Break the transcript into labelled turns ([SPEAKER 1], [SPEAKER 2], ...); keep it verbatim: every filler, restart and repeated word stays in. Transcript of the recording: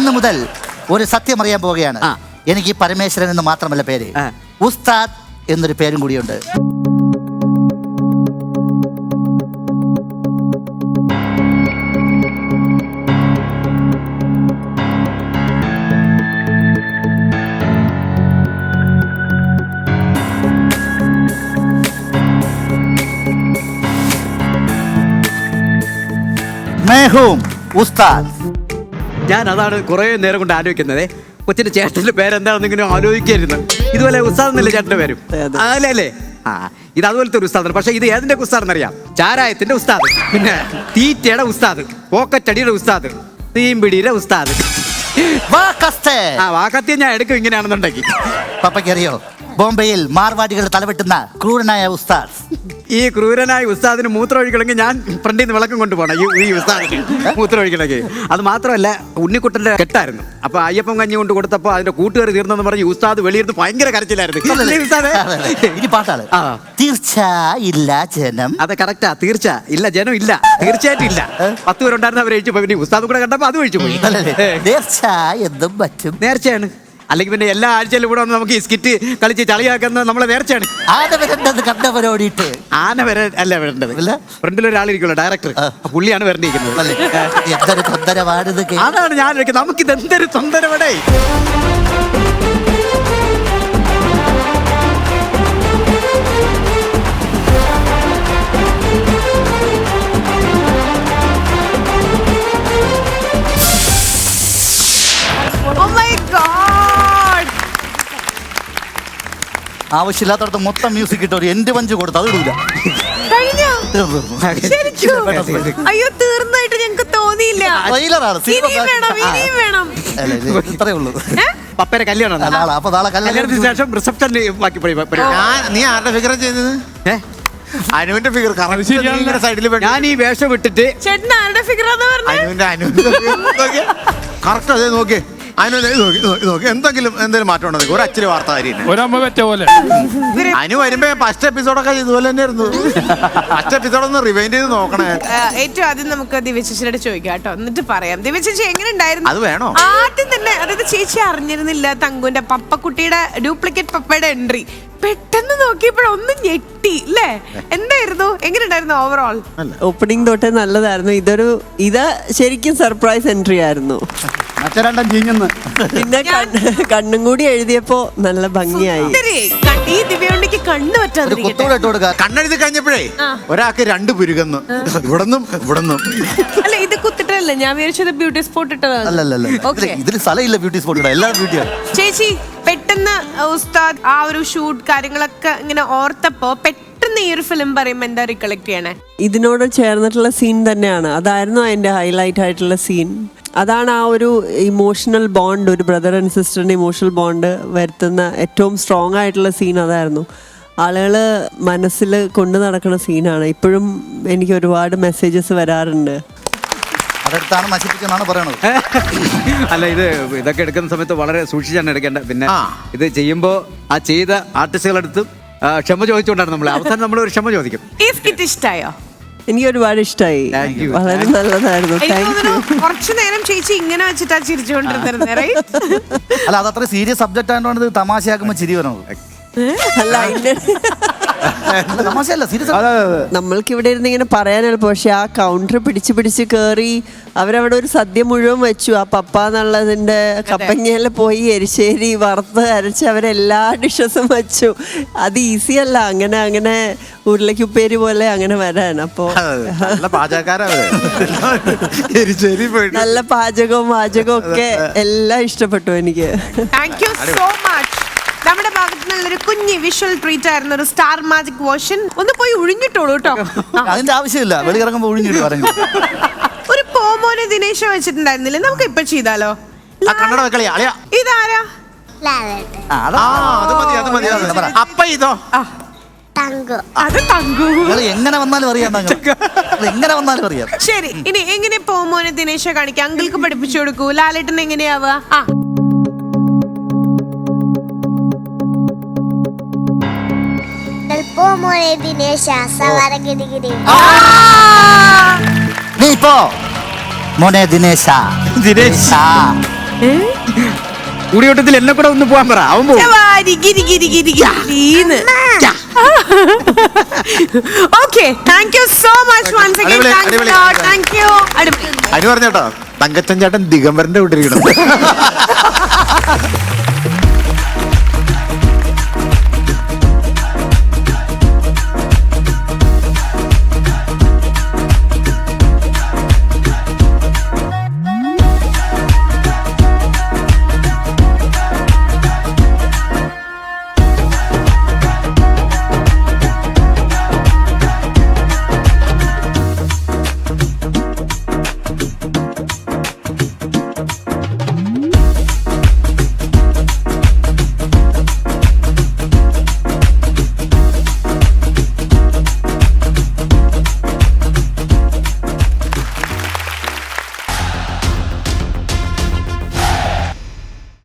[SPEAKER 1] ഇന്ന് മുതൽ ഒരു സത്യം അറിയാൻ പോവുകയാണ്. എനിക്ക് പരമേശ്വരൻ എന്ന് മാത്രമല്ല പേര്, ഉസ്താദ് എന്നൊരു പേരും കൂടിയുണ്ട്.
[SPEAKER 2] ഞാൻ അതാണ് കുറെ നേരം കൊണ്ട് ആലോചിക്കുന്നത്. കൊച്ചിന്റെ ചേട്ടന്റെ പേരെന്താണെന്ന് ഇങ്ങനെ ആലോചിക്കായിരുന്നു. ഇതുപോലെ ഉസ്താദ് എന്നല്ലേ ചേട്ടന്റെ പേരും? അല്ലേ അല്ലേ? ആ, ഇത് അതുപോലത്തെ ഒരു ഉസ്താദാണ്. പക്ഷെ ഇത് ഏതിന്റെ ഉസ്താദ് അറിയാം? ചാരായത്തിന്റെ ഉസ്താദ്, പിന്നെ തീറ്റയുടെ ഉസ്താദ്, പോക്കറ്റടിയുടെ ഉസ്താദ്, തീമ്പിടിയുടെ ഉസ്താദ്. ആ വാക്കത്തി ഞാൻ എടുക്കും ഇങ്ങനെയാണെന്നുണ്ടെങ്കിൽ.
[SPEAKER 1] പപ്പയ്ക്കറിയോ, ബോംബെയിൽ മാർവാടികൾ തലവെട്ടുന്ന ക്രൂരനായ ഉസ്താദ്.
[SPEAKER 2] ഈ ക്രൂരനായ ഉസ്താദിന് മൂത്രം ഒഴിക്കണമെങ്കിൽ ഞാൻ ഫ്രണ്ടിൽ നിന്ന് വിളക്കം കൊണ്ടുപോകണം. ഈ ഈ ഉസ്താദിന് മൂത്രം ഒഴിക്കണമെങ്കിൽ. അത് മാത്രമല്ല, ഉണ്ണിക്കുട്ടന്റെ കെട്ടായിരുന്നു. അപ്പൊ അയ്യപ്പം കഞ്ഞി കൊണ്ട് കൊടുത്തപ്പോ അതിന്റെ കൂട്ടുകാർ തീർന്നെന്ന് പറഞ്ഞ് ഉസ്താദ് വെളിയിരുന്ന് ഭയങ്കര കരച്ചിലായിരുന്നു.
[SPEAKER 1] പാട്ടാണ് തീർച്ച ഇല്ല ജനം.
[SPEAKER 2] അതെ, കറക്റ്റാ. തീർച്ച ഇല്ല ജനം ഇല്ല, തീർച്ചയായിട്ടും ഇല്ല. പത്ത് പേരുണ്ടായിരുന്ന അവർ കഴിച്ചു പോയി. ഉസ്താദ് കൂടെ കണ്ടപ്പോ അത് കഴിച്ചു പോയി.
[SPEAKER 1] നേർച്ച എന്തും പറ്റും.
[SPEAKER 2] നേർച്ചയാണ്. അല്ലെങ്കിൽ പിന്നെ എല്ലാ ആഴ്ചയിലും ഇവിടെ വന്ന് നമുക്ക് ഈ സ്കിറ്റ് കളിച്ച് ചളിയാക്കുന്നത് നമ്മളെ നേർച്ചയാണ്.
[SPEAKER 1] ആന വരേണ്ടത് കണ്ടവരോടിയിട്ട്.
[SPEAKER 2] ആന വരെ അല്ല വരേണ്ടത്. ഫ്രണ്ടിൽ ഒരാളിരിക്കുമല്ലോ, ഡയറക്ടർ, പുള്ളിയാണ് വരണ്ടിരിക്കുന്നത്.
[SPEAKER 1] എന്തൊരു തൊന്തരവാണിത്.
[SPEAKER 2] അതാണ് ഞാൻ ചോദിക്കുന്നത്, നമുക്കിത് എന്തൊരു തൊന്തരവടേ.
[SPEAKER 1] ആവശ്യമില്ലാത്തടത്ത് മൊത്തം മ്യൂസിക് ഇട്ടോ എന്റെ പഞ്ച് കൊടുത്തു, അത് ഇടൂല.
[SPEAKER 3] അയ്യോ, തീർന്നായിട്ട് ഞങ്ങക്ക് തോന്നിയില്ല.
[SPEAKER 1] ഇത്രേ ഉള്ളൂ.
[SPEAKER 2] പപ്പയുടെ കല്യാണം.
[SPEAKER 1] അപ്പൊ നാളെ കല്യാണത്തിന്
[SPEAKER 2] ശേഷം റിസപ്ഷൻ ബാക്കി.
[SPEAKER 4] നീ ആരുടെ ഫിഗർ ചെയ്തത്? അനുവിന്റെ ഫിഗർ സൈഡിൽ.
[SPEAKER 2] ഞാൻ ഈ വേഷം വിട്ടിട്ട്
[SPEAKER 3] ചേട്ടൻ ആരുടെ ഫിഗറാന്ന് പറഞ്ഞു?
[SPEAKER 4] അനുവിന്റെ അനുവിന്റെ കറക്റ്റ് അതേ നോക്കിയേ. അനു നോക്കി എന്തെങ്കിലും എന്തെങ്കിലും മാറ്റം ഉണ്ടോ? ഒരു അച്ചിരി വാർത്ത
[SPEAKER 5] പോലെ
[SPEAKER 4] അനു വരുമ്പോ ഫസ്റ്റ് എപ്പിസോഡൊക്കെ ഇതുപോലെ തന്നെ ആയിരുന്നു. ഫസ്റ്റ് എപ്പിസോഡ് ഒന്ന് റിവൈൻഡ് ചെയ്ത് നോക്കണേ.
[SPEAKER 3] ഏറ്റവും ആദ്യം നമുക്ക് ദിവ്യചേച്ചിയോട് ചോദിക്കാം കേട്ടോ, എന്നിട്ട് പറയാം. ദിവ്യചേച്ചി എങ്ങനെ ഉണ്ടായിരുന്നു?
[SPEAKER 4] അത് വേണോ?
[SPEAKER 3] ആദ്യം തന്നെ, അതായത് ചേച്ചി അറിഞ്ഞിരുന്നില്ല തങ്കുന്റെ പപ്പക്കുട്ടിയുടെ ഡ്യൂപ്ലിക്കേറ്റ് പപ്പയുടെ എൻട്രി. പെട്ടെന്ന് നോക്കിയപ്പോഴൊന്നും ഞെട്ടി അല്ലേ? എന്തായിരുന്നു, എങ്ങനെ ഉണ്ടായിരുന്നു ഓവറോൾ?
[SPEAKER 6] ഓപ്പണിംഗ് തൊട്ടേ നല്ലതായിരുന്നു. ഇതൊരു ഇത് ശരിക്കും സർപ്രൈസ് എൻട്രി ആയിരുന്നു. പിന്നെ കണ്ണും കൂടി എഴുതിയപ്പോ നല്ല ഭംഗിയായി.
[SPEAKER 4] കണ്ണെഴുതി കഴിഞ്ഞപ്പോഴേ ഒരാൾക്ക് രണ്ട് പുരുകന്ന്, ഇവിടെന്നും ഇവിടെന്നും.
[SPEAKER 3] അല്ല, ഇത് കുത്തിട്ടല്ലേ? ഞാൻ വിചാരിച്ചത് ബ്യൂട്ടി സ്പോട്ട് ഇട്ടതാണ്.
[SPEAKER 1] ഇതിൽ സ്ഥലമില്ല ബ്യൂട്ടി സ്പോട്ട്, എല്ലാ ബ്യൂട്ടിയാണ്.
[SPEAKER 3] ചേച്ചി പെട്ടെന്ന് ഉസ്താദ് ആ ഒരു ഷൂട്ട് കാര്യങ്ങളൊക്കെ ഇങ്ങനെ ഓർത്തപ്പോ പെട്ടെന്ന് ഈ ഒരു ഫിലിം പറയുമ്പോ എന്താ റിക്കളക്ട് ചെയ്യണേ?
[SPEAKER 6] ഇതിനോട് ചേർന്നിട്ടുള്ള സീൻ തന്നെയാണ്. അതായിരുന്നു അതിന്റെ ഹൈലൈറ്റ് ആയിട്ടുള്ള സീൻ. അതാണ് ആ ഒരു ഇമോഷണൽ ബോണ്ട്, ഒരു ബ്രദർ ആൻഡ് സിസ്റ്ററിന്റെ ഇമോഷണൽ ബോണ്ട് വരുത്തുന്ന ഏറ്റവും സ്ട്രോങ് ആയിട്ടുള്ള സീൻ അതായിരുന്നു. ആളുകൾ മനസ്സിൽ കൊണ്ടു നടക്കുന്ന സീനാണ്. ഇപ്പോഴും എനിക്ക് ഒരുപാട് മെസ്സേജസ് വരാറുണ്ട്.
[SPEAKER 1] അതെടുത്താണ് നശിപ്പിച്ചെന്നാണ് പറയണത്.
[SPEAKER 2] അല്ല, ഇത് ഇതൊക്കെ എടുക്കുന്ന സമയത്ത് വളരെ സൂക്ഷിച്ചാണ് എടുക്കേണ്ടത്. പിന്നെ ഇത് ചെയ്യുമ്പോൾ ആ ചെയ്ത ആർട്ടിസ്റ്റുകളെടുത്തും ക്ഷമ ചോദിച്ചുകൊണ്ടാണ് നമ്മൾ അവസാനം നമ്മൾ ഒരു ക്ഷമ ചോദിക്കും.
[SPEAKER 3] ഈ സ്കിറ്റ് ഇഷ്ടായോ?
[SPEAKER 6] എനിക്ക് ഒരുപാട് ഇഷ്ടമായി, വളരെ നല്ലതായിരുന്നു.
[SPEAKER 3] കുറച്ചു നേരം ചേച്ചി ഇങ്ങനെ വെച്ചിട്ടാ ചിരിച്ചുകൊണ്ടിരുന്നത്.
[SPEAKER 1] അല്ല, അത് അത്ര സീരിയസ് സബ്ജക്റ്റ് ആയതുകൊണ്ട് ഇത് തമാശയാക്കുമ്പോ ചിരി വരണത്.
[SPEAKER 6] അല്ല, നമ്മൾക്ക് ഇവിടെ ഇരുന്ന് ഇങ്ങനെ പറയാൻ എളുപ്പം. പക്ഷെ ആ കൗണ്ടർ പിടിച്ച് പിടിച്ച് കയറി അവരവിടെ ഒരു സദ്യ മുഴുവൻ വെച്ചു. ആ പപ്പ എന്നുള്ളതിന്റെ കപ്പങ്ങയിൽ പോയി എരിശ്ശേരി വറുത്ത് അരച്ച് അവരെല്ലാ ഡിഷസും വെച്ചു. അത് ഈസി അല്ല അങ്ങനെ അങ്ങനെ ഉരുളക്കുപ്പേരി പോലെ അങ്ങനെ വരാൻ. അപ്പോ നല്ല പാചകവും വാചകവും ഒക്കെ എല്ലാം ഇഷ്ടപ്പെട്ടു എനിക്ക്.
[SPEAKER 3] Thank you so much. നമ്മുടെ ഭാഗത്ത് നിന്നുള്ളൊരു കുഞ്ഞി വിഷ്വൽ ട്രീറ്റ് ആയിരുന്നു, ഒരു സ്റ്റാർ മാജിക് വേർഷൻ. ഒന്ന് പോയി ഒഴിഞ്ഞിട്ടോളൂ കേട്ടോ.
[SPEAKER 1] അതിന്റെ ആവശ്യമില്ല, വെളിയിറങ്ങുമ്പോ ഒഴിഞ്ഞിട്ട് പറഞ്ഞു.
[SPEAKER 3] ഒരു പോമോനെ ദിനേശ വെച്ചിട്ടുണ്ടായിരുന്നില്ലേ? നമുക്ക് ഇപ്പൊ ചെയ്താലോ? ഇതാരാ?
[SPEAKER 4] അപ്പ ഇതോ
[SPEAKER 3] അത് തങ്കു.
[SPEAKER 1] എങ്ങനെ വന്നാലും അറിയാം, എങ്ങനെ വന്നാലും അറിയാം.
[SPEAKER 3] ശരി, ഇനി എങ്ങനെ പോമോനെ ദിനേശ കാണിക്കാം? അങ്കിൾക്ക് പഠിപ്പിച്ചു കൊടുക്കൂ. ലാലേട്ടൻ എങ്ങനെയാവുക? ആ
[SPEAKER 1] നീ ഇപ്പോ മോനെ ദിനേശ ദിനേശ
[SPEAKER 2] കൂടിയോട്ടത്തിൽ എന്നെ കൂടെ ഒന്ന് പോകാൻ പറ, അവൻ പോകും.
[SPEAKER 3] Okay, thank you so much once again.
[SPEAKER 4] അടിപൊളി,
[SPEAKER 3] താങ്ക്സ്
[SPEAKER 4] അടിപൊളി.
[SPEAKER 3] ലോട്ട്. Thank you. അടിപൊളി.
[SPEAKER 4] അതിന് പറഞ്ഞേട്ടോ തങ്കച്ചൻ ചേട്ടൻ ദിഗംബരന്റെ വിട്ടിരിക്കണം.